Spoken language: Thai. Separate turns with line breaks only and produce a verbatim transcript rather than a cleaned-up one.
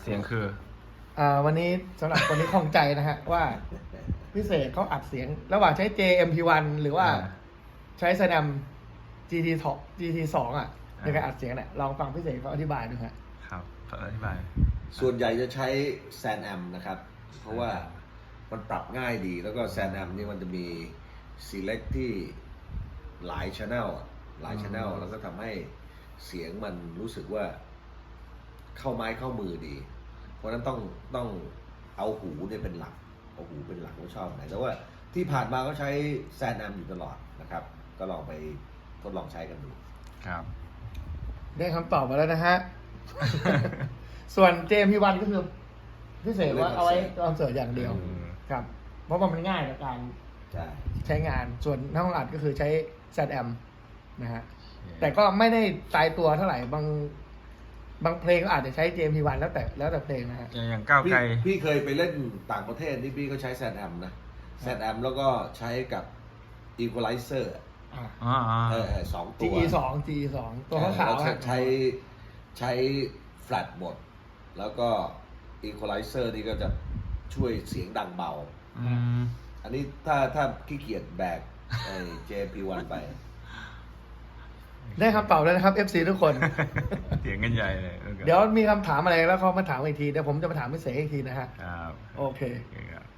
สียงคือ
อ่าวันนี้สำหรับคนที่ข้องใจนะฮะ ว่าพิเศษเขาอัดเสียง ระหว่างใช้ เจ เอ็ม พี วัน หรือว่า
อ่า
ใช้ Sanam จี ที สอง จี ที สอง อ่ะในการอัดเสียงเนี่ยลองฟังพิเศษเขาอธิบายดูฮะ
ครับอธิบาย
ส่วนใหญ่จะใช้ Sanam นะครับ เพราะว่ามันปรับง่ายดี แล้วก็ Sanam นี่มันจะมี select ที่หลาย channel อะหลาย channel แล้วก็ทำให้เสียงมันรู้สึกว่าเข้าไม้เข้ามือดี เพราะฉะนั้นต้องต้องเอาหูเนี่ยเป็นหลัก เอาหูเป็นหลักว่าชอบไหน แต่ว่าที่ผ่านมาก็ใช้ Sanam อยู่ตลอดนะครับ ก็ลองไปทดลองใช้กันดู
ครับ
ได้คำตอบมาแล้วนะฮะ ส่วน เจ เอ็ม พี วัน ก็คือพิเศษว่าเอาไว้คอนเสิร์ตอย่างเดียว
อืม
ครับ เพราะว่ามันง่ายในการ
ใช่
ใช้งาน ส่วนห้องอัดก็คือใช้ Sanam นะฮะ แต่ก็ไม่ได้ตายตัวเท่าไหร่ บางบางเพลงก็อาจจะใช้ เจ เอ็ม พี วัน แล้วแต่แล้วแต่เพลงนะฮะ
อย่างอย่างก้าว
พี่
ไกล
พี่เคยไปเล่นต่างประเทศที่พี่ก็ใช้ Sanam นะ Sanam แล้วก็ใช้กับ Equalizer
อ่า
อ๋ออ๋อ
เออเออสองตัว
จี อี สอง จี อี สอง ตัวขาว
แล้ว
ๆ
ใช้
ฮะ
ใช้ใช้ flat หมด แล้วก็ Equalizer นี่ก็จะช่วยเสียงดังเบา
อืม
อันนี้ถ้าถ้าขี้เกียจแบกไอ้ เจ พี วัน ไป
ได้คำตอบแล้วนะครับ เอฟ ซี ทุกคน
เสียงกันใหญ่เลย
เดี๋ยวมีคำถามอะไรแล้วเขามาถามอีกที เดี๋ยวผมจะมาถามพิเศษอีกทีนะฮะ
ครับ
โอเค
โอเคครับ